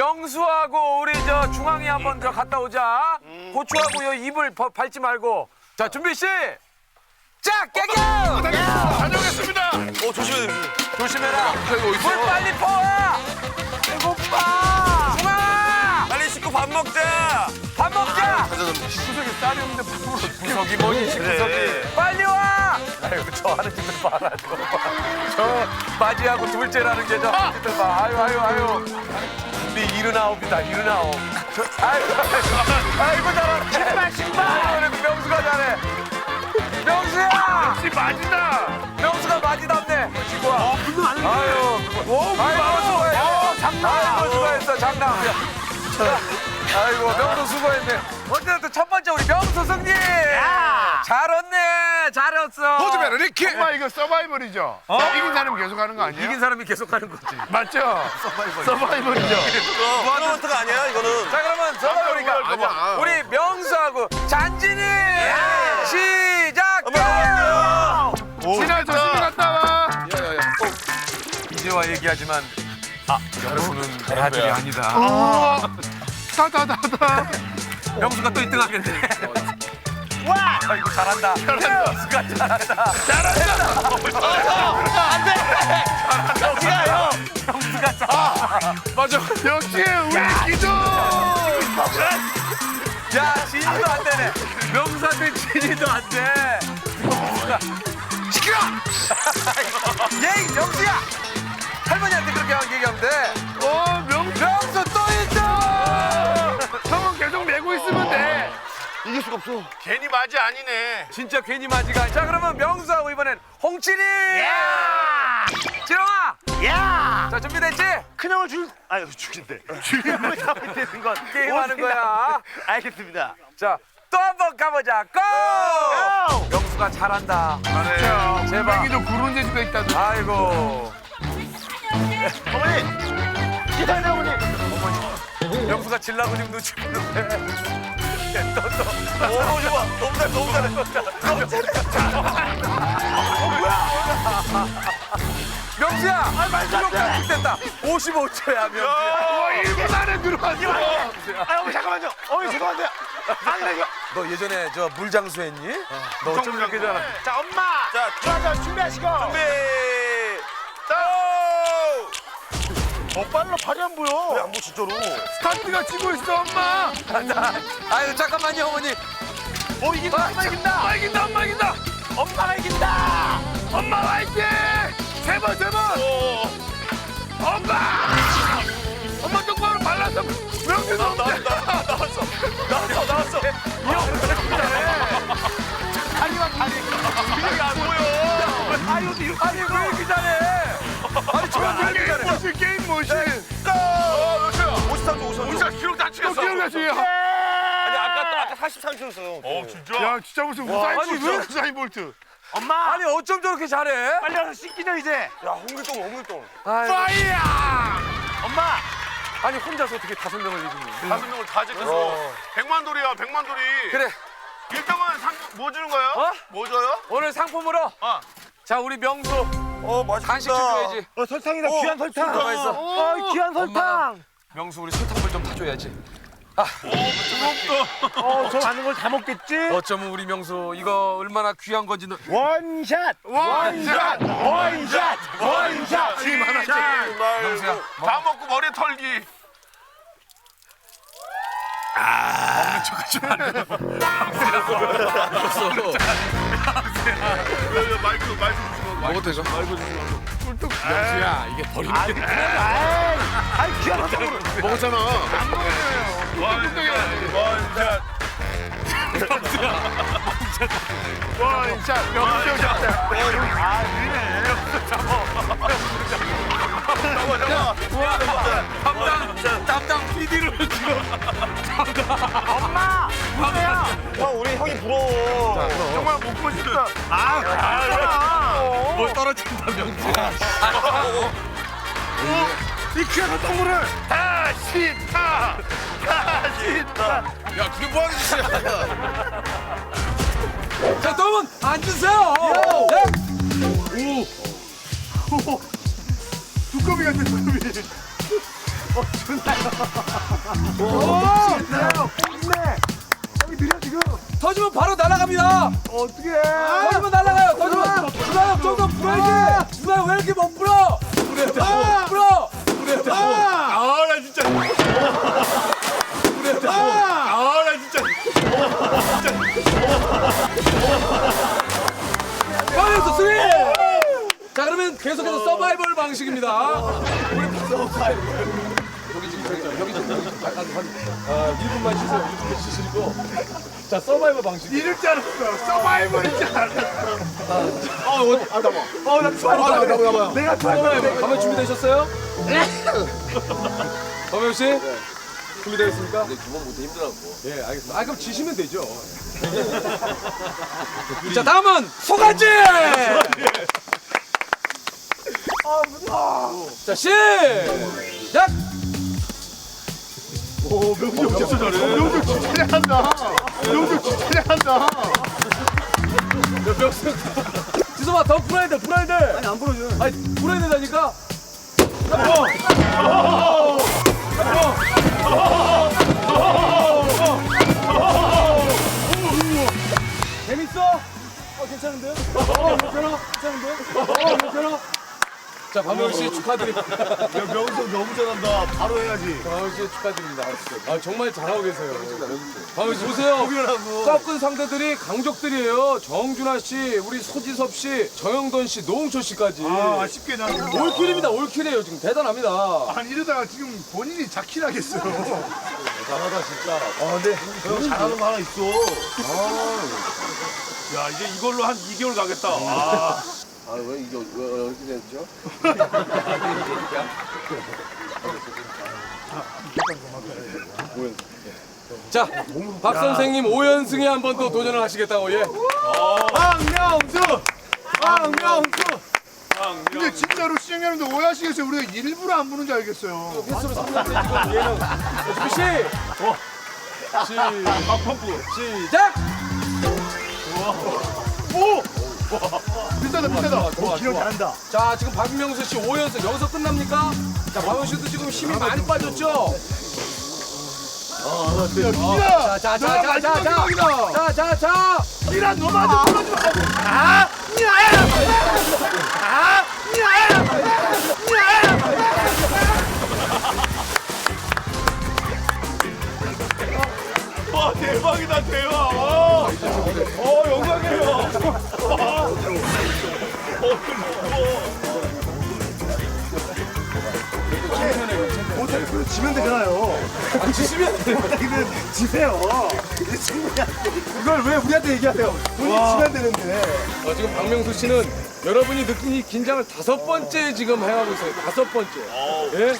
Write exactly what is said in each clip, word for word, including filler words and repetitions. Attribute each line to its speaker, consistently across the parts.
Speaker 1: 명수하고 우리 저 중앙이 한번 저 갔다 오자. 고추하고 요 입을 버- 밟지 말고. 자 준비 시. 짝 깨겨.
Speaker 2: 다녀오겠습니다.
Speaker 3: 어 조심해.
Speaker 1: 조심해라.
Speaker 2: 어디 있어?
Speaker 1: 물 빨리 퍼와. 배고파. 중앙아.
Speaker 3: 빨리 씻고 밥 먹자.
Speaker 1: 밥 먹자.
Speaker 2: 구석에 쌀이 없는데 밥으로
Speaker 1: 구석이 뭐니
Speaker 3: 그래.
Speaker 1: 구석이. 빨리 와. 아유 저 하는 짓들 봐라 저. 저 맞이하고 둘째라는 게 저 하는 짓들 봐. 아유 아유 아유. 우리 일흔아홉이다 일흔아홉. 저, 아이고 아이고, 아이고 잘하네. 신발 신발. 그래 명수가 잘해. 명수야.
Speaker 2: 역시 맞이다.
Speaker 1: 명수가 맞이답네. 지고 와. 아유.
Speaker 2: 오,
Speaker 1: 아이고 수고했네.
Speaker 2: 어,
Speaker 1: 장난. 아이고 수고했어 장난. 아이고 명수 수고했네. 어쨌든 첫 번째 우리 명수 승리. 잘 왔네. 잘했어.
Speaker 2: 호주베르 리키. 정말 이거 서바이벌이죠. 이긴 사람 계속 하는 거 아니에요?
Speaker 1: 이긴 사람이 계속 하는 거지.
Speaker 2: 맞죠?
Speaker 1: 서바이벌.
Speaker 2: 서바이벌이죠.
Speaker 3: 이거 토너먼트가 아니야 이거는.
Speaker 1: 자 그러면 서바이벌이니까
Speaker 2: 아니야.
Speaker 1: 우리 명수하고 잔진이 시작해.
Speaker 2: 진아 조심히 갔다 와.
Speaker 1: 이제와 얘기하지만 아 명수는 대하들이 아니다.
Speaker 2: 우와. 다다다다.
Speaker 1: 명수가 또 일 등 하겠네. 와! 아이고 잘한다. 명수가 잘한다. 명수가 잘한다.
Speaker 2: 맞아. 역시 우리 기도.
Speaker 1: 야 진이도 안 되네. 명수한테 진이도 안 돼. 명수가
Speaker 2: 시끄러.
Speaker 1: 예이 명수야. 할머니한테 그렇게 얘기하면 돼.
Speaker 2: 어 명수.
Speaker 1: 명수 또 일 등.
Speaker 2: 형은 계속 메고 있으면 돼.
Speaker 3: 이길 수가 없어.
Speaker 2: 괜히 맞이 아니네.
Speaker 1: 진짜 괜히 맞이가. 자 그러면 명수하고 이번엔 홍칠이. 지렁아.
Speaker 4: 야!
Speaker 1: 자 준비됐지?
Speaker 4: 큰형을 줄, 아유 죽인데. 죽임을 잡을 되는 건
Speaker 1: 게임하는 거야.
Speaker 4: 알겠습니다.
Speaker 1: 자 또 한 번 가보자. 고!
Speaker 4: 고!
Speaker 1: 명수가 잘한다.
Speaker 2: 자,
Speaker 1: 제발.
Speaker 2: 땡이도 구른 재주가 있다.
Speaker 1: 아이고.
Speaker 4: 어머니! 기다려 어머니!
Speaker 1: 명수가 질라고 지금 눈치 보는데. 또, 또.
Speaker 3: 오 너무 좋아. 너무 잘 너무 잘해. 너무 잘해.
Speaker 1: 명수야! 아, 말도 됐다. 오십오 초야, 명수야.
Speaker 2: 와, 일 분 안에 들어왔어.
Speaker 4: 아 어머니 잠깐만요. 어머니 죄송한데요. 안 돼요.
Speaker 1: 너 예전에 저 물장수 했니? 너 어쩜 이렇게 잘하
Speaker 4: 자 엄마.
Speaker 3: 자,
Speaker 4: 자, 자 준비하시고.
Speaker 3: 준비. 고!
Speaker 4: 어 빨라 발이 안 보여.
Speaker 3: 왜안 보 진짜로?
Speaker 2: 스타트가 치고 있어, 엄마.
Speaker 1: 아유, 잠깐만요, 어머니.
Speaker 4: 어 이긴다. 엄마 이긴다.
Speaker 2: 엄마 이긴다, 엄마 이긴다.
Speaker 4: 엄마가 이긴다.
Speaker 2: 엄마 화이팅! 세 번, 세 번. 엄마! 엄마 똑바로 발라서 명수
Speaker 3: 나,
Speaker 2: 넘자.
Speaker 3: 나, 나, 나왔어. 나왔어, 나왔어.
Speaker 4: 다리만 다리.
Speaker 3: 이게 안 보여.
Speaker 4: 아유 이거
Speaker 1: 아니, 왜 이렇게 잘해? 아니, 저왜 이렇게
Speaker 2: 게임
Speaker 1: 잘해?
Speaker 2: 모신, 게임 모신.
Speaker 3: 어, 몇이야? 오십삼 초, 오십삼 초.
Speaker 2: 우리가 기록 다 찍었어. 기억나지?
Speaker 3: 아니, 아까, 아까 사십삼 초였어요.
Speaker 2: 어, 진짜? 야, 진짜 무슨 우사인
Speaker 1: 아니,
Speaker 2: 볼트,
Speaker 1: 왜?
Speaker 2: 우사인 볼트.
Speaker 4: 엄마.
Speaker 1: 아니, 어쩜 저렇게 잘해?
Speaker 4: 빨리 와서 씻기죠 이제.
Speaker 3: 야, 홍길동, 홍길동.
Speaker 1: 아이고,
Speaker 2: 파이야!
Speaker 4: 엄마.
Speaker 1: 아니, 혼자서 어떻게 다섯 명을 이기니?
Speaker 2: 다섯 명을 다 찍었어.
Speaker 1: 어.
Speaker 2: 백만 돌이야, 백만 돌이.
Speaker 1: 그래,
Speaker 2: 일 등은 상, 뭐 주는 거야?
Speaker 1: 어?
Speaker 2: 뭐 줘요?
Speaker 1: 오늘 상품으로.
Speaker 2: 어.
Speaker 1: 자, 우리 명수
Speaker 3: 어, 맛있다.
Speaker 1: 간식 줘야지.
Speaker 4: 어 설탕이다.
Speaker 3: 어,
Speaker 4: 귀한 설탕.
Speaker 1: 설탕 있어.
Speaker 4: 어 귀한 설탕.
Speaker 1: 명수 우리 설탕물 좀 타줘야지.
Speaker 4: 어 저 많은 걸 다 먹겠지.
Speaker 1: 어쩌면 우리 명수 이거 얼마나 귀한 건지 너...
Speaker 4: 원샷.
Speaker 2: 원샷!
Speaker 4: 원샷. 원샷.
Speaker 2: 힘 하나 씩.
Speaker 1: 명수야,
Speaker 2: 다 먹고 머리 털기. 마이크, 마이크 주시고.
Speaker 1: 먹어도 되죠?
Speaker 2: 꿀떡.
Speaker 1: 명수야, 이게 버리는 게...
Speaker 4: 아이, 아이 귀한 설탕.
Speaker 1: 먹었잖아.
Speaker 2: 원샷. 원샷. 원샷. 명수 잡자.
Speaker 1: 담당, 담당 피디를 지금...
Speaker 4: 엄마. 누구야?
Speaker 3: 형, 우리 형이 부러워.
Speaker 2: 정말 먹고 싶다.
Speaker 4: 아, 아,
Speaker 1: 뭘 떨어진다, 명수야.
Speaker 4: 이 귀한 설탕물을.
Speaker 2: 다시 타. 다시 타.
Speaker 1: 야, 그게 뭐 하는 짓이야? 자, 여러분, 앉으세요. 네?
Speaker 2: 두꺼비 같아, 두꺼비.
Speaker 1: 터지면 바로 날아갑니다.
Speaker 4: 어떻게?
Speaker 1: 터지면 날아가요. 터지면. 누나 형 좀 더 불어야지. 누나 왜 이렇게 못 불어? 불어야 돼. 불어. 불어야 돼.
Speaker 2: 아, 나 진짜.
Speaker 1: 불어야 돼.
Speaker 2: 아, 나 진짜.
Speaker 1: 가면서 스윙. 자 그러면 계속해서 서바이벌 방식입니다. 여기 지금 여기 여기 지금 약간 한 어, 일 분만 쉬세요. 일 분만 쉬시고. 자 서바이벌 방식.
Speaker 2: 이럴 줄 알았어. 서바이벌인 줄 알았어.
Speaker 4: 어나 좋아. 내가 좋아.
Speaker 1: 가면 준비되셨어요? 범영 씨? 준비되셨습니까? 네, 두 번부터 힘들었고. 예, 알겠습니다. 아, 그럼 지시면 되죠. 자, 다음은 소간지! 아, 무서워. 자, 시작!
Speaker 2: 오, 명중 진짜 잘해. 명중 진짜 잘한다. 명중 진짜 잘한다.
Speaker 1: 지소봐, 더 불어야 돼, 불어야 돼.
Speaker 4: 아니 안 부러져.
Speaker 1: 아니, 불어야 된다니까? 재밌어? 어, 괜찮은데요? 어, 괜찮아? 괜찮은데? 어, 괜찮아? 자, 박명수 씨 축하드립니다.
Speaker 2: 야, 명중 너무 잘한다. 바로 해야지.
Speaker 1: 박명수 씨 축하드립니다. 아, 정말 잘하고 계세요. 박명수 씨 보세요. 꺾은 상대들이 강적들이에요. 정준하 씨, 우리 소지섭 씨, 정영돈 씨, 노홍철 씨까지.
Speaker 2: 아, 아쉽게 나.
Speaker 1: 올킬입니다. 올킬이에요. 지금 대단합니다.
Speaker 2: 아니, 이러다가 지금 본인이 자킬하겠어요.
Speaker 4: 잘하다 진짜. 아 근데 형 잘하는 거 하나 있어.
Speaker 2: 야, 이제 이걸로 한 이 개월 가겠다. 아.
Speaker 4: 아 왜 이게 왜 이렇게 됐죠?
Speaker 1: 자, 박 선생님 오 연승에 한 번 더 도전을 하시겠다고, 예.
Speaker 2: 박명수! 박명수! 근데 진짜로 시청자 여러분들 오해하시겠어요. 우리가 일부러 안 부는 줄 알겠어요.
Speaker 1: 횟수로 삼 년 되니까 얘는. 준비 시! 시! 펌프! 시작!
Speaker 2: 오! 비싸다, 비싸다.
Speaker 1: 좋아,
Speaker 4: 기억
Speaker 1: 좋아.
Speaker 4: 잘한다.
Speaker 1: 자, 지금 박명수 씨 오 연승 여기서 끝납니까? 자, 박명수 씨도 지금 힘이 많이 빠졌죠?
Speaker 2: 야,
Speaker 1: 자,
Speaker 2: 기라!
Speaker 1: 자, 자, 자, 자, 자, 자, 자, 자.
Speaker 2: 기라, 너만 좀 불러줘. 아! 아! 와, 대박이다, 대박. 어, 어 영광이에요.
Speaker 4: 못하면 지면 되잖아요.
Speaker 1: 아, 지시면 돼요.
Speaker 4: 이거 지세요. 이제 충분히 안 돼. 이걸 왜 우리한테 얘기하세요? 본인 지면 되는데.
Speaker 1: 어, 지금 박명수 씨는 여러분이 느낀 이 긴장을 다섯 번째 지금 해가고 있어요. 다섯 번째. 예?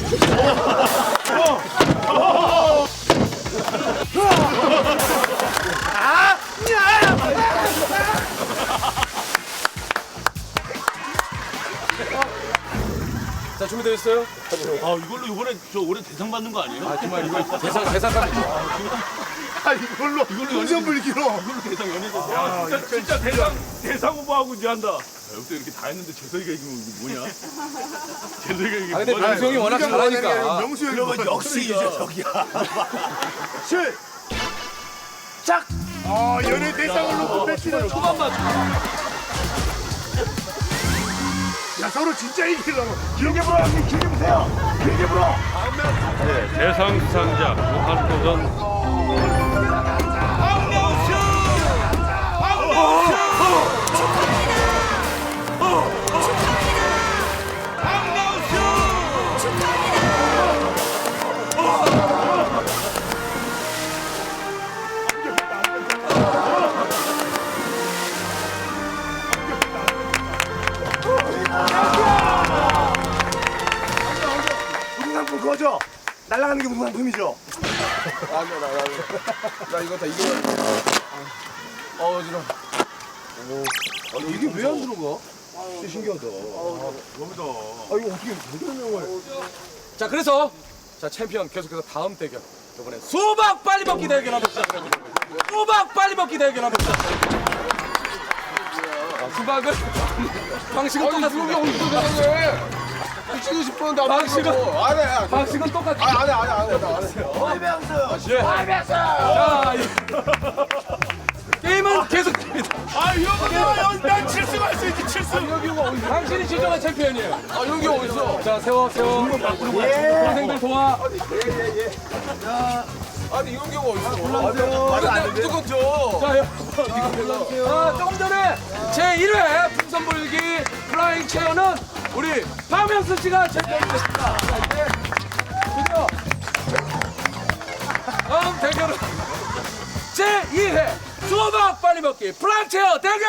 Speaker 1: 자, 준비되셨어요?
Speaker 5: 아 이걸로 이번에 저 올해 대상 받는 거 아니에요?
Speaker 1: 아, 정말 이거 대상, 대상감이죠.
Speaker 2: 아, 이걸로 운전 불기로.
Speaker 5: 이걸로 대상 연예대상. 야 진짜 진짜 대상 대상 후보하고 이제 한다. 야, 여기서 이렇게 다 했는데 재석이가 이기면 이게 뭐냐? 재석이가 이기면
Speaker 1: 아, 근데
Speaker 5: 뭐냐?
Speaker 1: 명수 형이 워낙 잘하니까.
Speaker 2: 명수 형이
Speaker 5: 그러면 역시 이제 저기야.
Speaker 2: 실. 짝. 아, 연예 대상을 놓고 뺏기는 초반만. 야, 서로 진짜 이기려고.
Speaker 4: 길게 불어, 형님 길게 보세요. 길게 불어.
Speaker 6: 대상 수상자 무한도전
Speaker 4: 무슨 상품 그거죠? 날아가는 게 무슨 상품이죠?
Speaker 1: 나 이거 다 이거. 어, 지금. 오. 아니, 이게 왜 안 들어가?
Speaker 4: 진짜 신기하다. 아 이거 어떻게 대단한
Speaker 1: 자, 그래서 자, 챔피언 계속해서 다음 대결. 이번에 수박 빨리 먹기 대결 한번 시작해보도록 하겠습니다. 수박 빨리 먹기 대결 한번 시작해보도록 하겠습니다. 자, 수박을 방식은 똑같습니다.
Speaker 2: 치고 싶었는데 안
Speaker 5: 방식은
Speaker 2: 안해 안해
Speaker 5: 방식은 똑같아.
Speaker 2: 안해 안해 안해
Speaker 5: 자, 이- 게임은 계속됩니다.
Speaker 2: 아 이거 난칠 수가 있어야지 칠 수.
Speaker 5: 당신이 진정한 챔피언이에요. 아, 여기 어딨어? 자, 세워, 세워. 동생들 도와.
Speaker 2: 아니 이런 경우 어딨어?
Speaker 5: 말이 안 되는데? 무조건 줘. 자, 여- 아, 조금 전에 제일 회 풍선 불기 플라잉 체어는 우리 박명수 씨가 챔피언이 됐습니다. 자, 이제 드디어 다음 대결은 제이 회 수박 빨리 먹기 플라잉 체어 대결!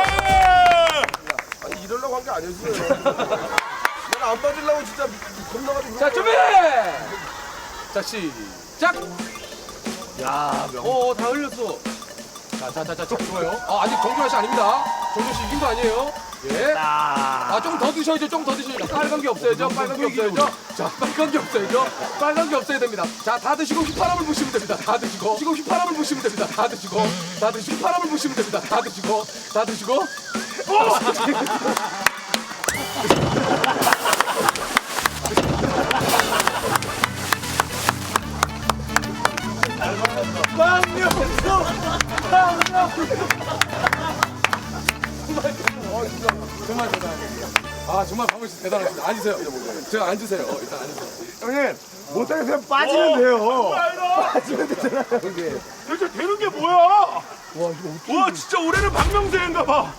Speaker 2: 아니 이러려고 한 게 아니었어요. 난 안 빠지려고 진짜 겁나가지고.
Speaker 5: 자, 준비! 자, 시작! 야, 명. 어, 다 흘렸어. 자, 자, 자, 자, 자, 좋아요. 아, 아직 정준하 씨 아닙니다. 정준하 씨 이긴 거 아니에요? 예. 아, 조금 더 드셔야죠. 조금 더 드셔야죠. 빨간 게 없어야죠. 빨간 게 없어야죠. 자, 빨간 게 없어야죠. 빨간 게 없어야 됩니다. 자, 다 드시고 휘파람을 부시면 됩니다. 다 드시고. 드시고 휘파람을 부시면 됩니다. 다 드시고. 다 드시고 휘파람을 부시면 됩니다. 다 드시고. 다 드시고. 정말 대단합니다. 아, 정말 박명수 씨 대단하십니다. 앉으세요. 제가 앉으세요. 어, 일단 앉으세요.
Speaker 4: 형님 못하겠으면 빠지면 돼요.
Speaker 2: 도대체 되는 게 뭐야? 와 이거 어떻게? 와 진짜 올해는 박명수인가 봐.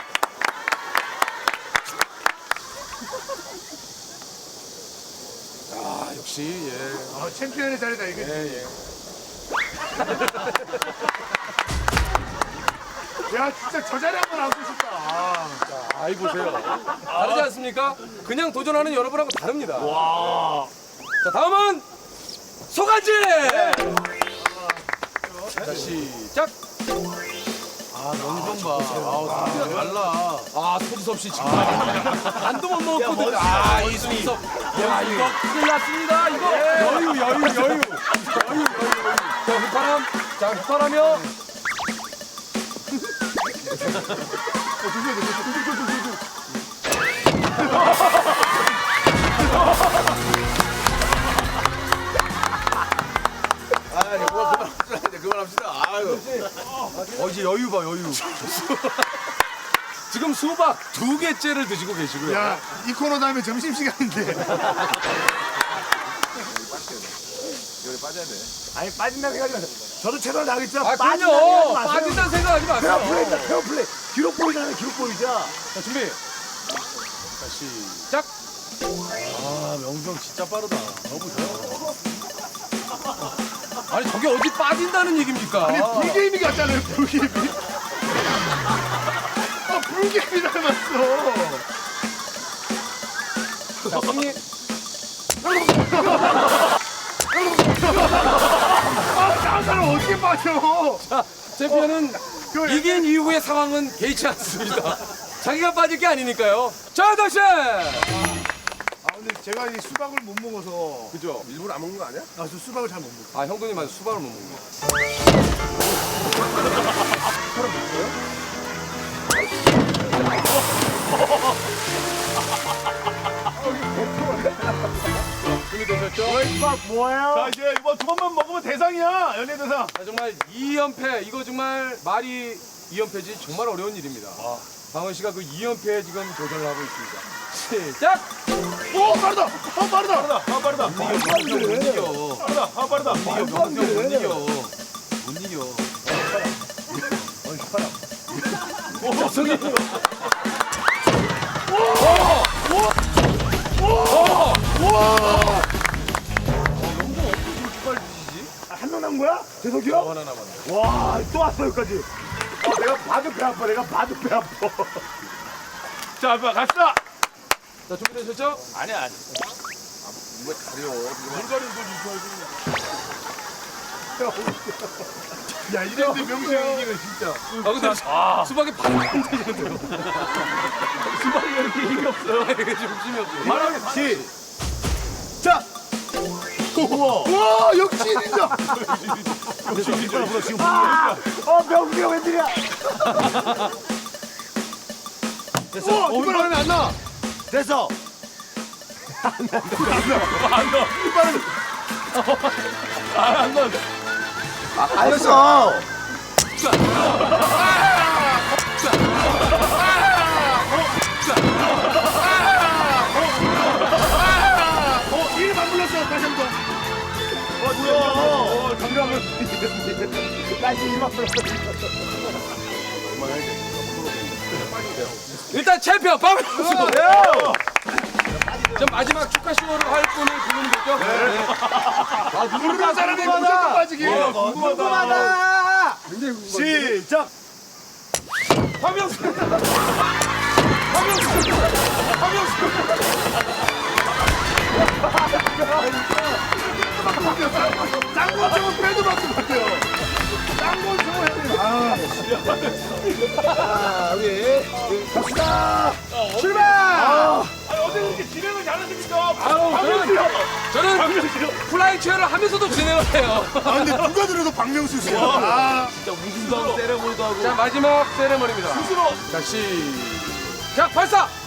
Speaker 5: 아, 역시 예.
Speaker 2: 아 챔피언의 자리다 이게.
Speaker 5: 예, 예.
Speaker 2: 야 진짜 저 자리 한번 앉고 싶다. 아.
Speaker 5: 아이 보세요. 다르지 않습니까? 그냥 도전하는 여러분하고 다릅니다. 와. 자, 다음은 소간지. 자, 시작. 아, 명정 봐. 아, 소리가 달라. 아, 소지섭 씨 지금 반도 못 먹었거든요. 아, 이 소지섭. 야, 이거 큰일 났습니다. 이거. 여유, 여유, 여유. 여유, 여유, 여유. 자, 휘파람. 자, 휘파람이요.
Speaker 2: 그만합시다. 아유.
Speaker 5: 어, 이제 여유 봐, 여유. 지금 수박 두 개째를 드시고 계시고요.
Speaker 2: 야이 코너 다음에 점심 시간인데.
Speaker 4: 아니 빠진다고 생각하지 마세요. 저도 최선을 다하겠지만
Speaker 5: 아,
Speaker 4: 빠진다고
Speaker 5: 그럼요.
Speaker 4: 생각하지 마세요.
Speaker 5: 빠진다는 생각하지
Speaker 4: 페어
Speaker 5: 마세요.
Speaker 4: 플레이다 페어 플레이. 기록 보이잖아요 기록 보이자.
Speaker 5: 자, 준비. 자, 시작. 아, 명정 진짜 빠르다. 너무 좋아. 아니, 저게 어디 빠진다는 얘기입니까?
Speaker 2: 아니 불게임이 같잖아요 불게임이. 아 불게임이 닮았어.
Speaker 5: 자, 승리.
Speaker 2: 아 다른 사람 어떻게 빠져?
Speaker 5: 자, 챔피언은 이긴 이후의 상황은 개의치 않습니다. 자기가 빠질 게 아니니까요. 자, 다시!
Speaker 2: 아 근데 제가 이 수박을 못 먹어서.
Speaker 5: 그죠?
Speaker 2: 일부러 안 먹는 거 아니야? 아저 수박을 잘 못 먹어.
Speaker 5: 아, 형돈이 맞아. 수박을 못 먹는 거. 준비되셨죠?
Speaker 2: 자 이제 이번 두 번만 먹으면 대상이야 연예 대상.
Speaker 5: 자, 정말 이 연패 이거 정말 말이 이 연패지 정말 어려운 일입니다. 방원 씨가 그 이 연패에 지금 도전을 하고 있습니다. 시작!
Speaker 2: 오 빠르다. 아 빠르다. 빠르다. 아 빠르다.
Speaker 5: 못 이겨.
Speaker 2: 빠르다. 아 빠르다.
Speaker 5: 못 이겨. 명수 못 이겨. 못 이겨. 오, 저기.
Speaker 4: 한 명 남은 거야? 재석이 형?
Speaker 5: 하나 남았네.
Speaker 4: 와 또 왔어 여기까지. 아, 내가 봐도 배 아파. 내가 봐도 배 아파.
Speaker 2: 자 아빠 갑시다.
Speaker 5: 자, 준비되셨죠?
Speaker 2: 아니야. 야 이랬는데 명수 형이 이기면 진짜.
Speaker 5: 아, 근데 수박이 반이 안 되는데요. 수박이 왜 이렇게 힘이 없어요? 이게 좀 힘이 없어요.
Speaker 2: 말하면 시. 자. 우와 역시 진짜.
Speaker 4: 어 명수 형 웬일이야?
Speaker 2: 됐어. 어, 이번 안에 안 나.
Speaker 4: 됐어. 알았어.
Speaker 2: 이름 안 불렀어. 다시 한 번.
Speaker 4: 뭐야? 정답을. 다시 이만 불렀어.
Speaker 5: 일단 챔피언 박명수. 자, 마지막 축하 쇼를 할 분을 부르면 되죠? 네. 아,
Speaker 2: 부르는 사람이 무조건 빠지기.
Speaker 4: 궁금하다. 시작.
Speaker 5: 박명수. 박명수. 박명수.
Speaker 2: 짱구 저거 빼도 맞고 같아요. 짱구 저거 해야 돼. 아,
Speaker 4: 자, 우리 갑시다. 출발.
Speaker 3: 어떻게 그렇게 진행을 잘하십니까?
Speaker 5: 아유, 저는, 저는 플라잉 체어를 하면서도 진행을 해요.
Speaker 2: 아 근데 누가 들어도 박명수 씨야. 아,
Speaker 5: 자, 마지막 세레머니입니다. 자, 시작! 발사!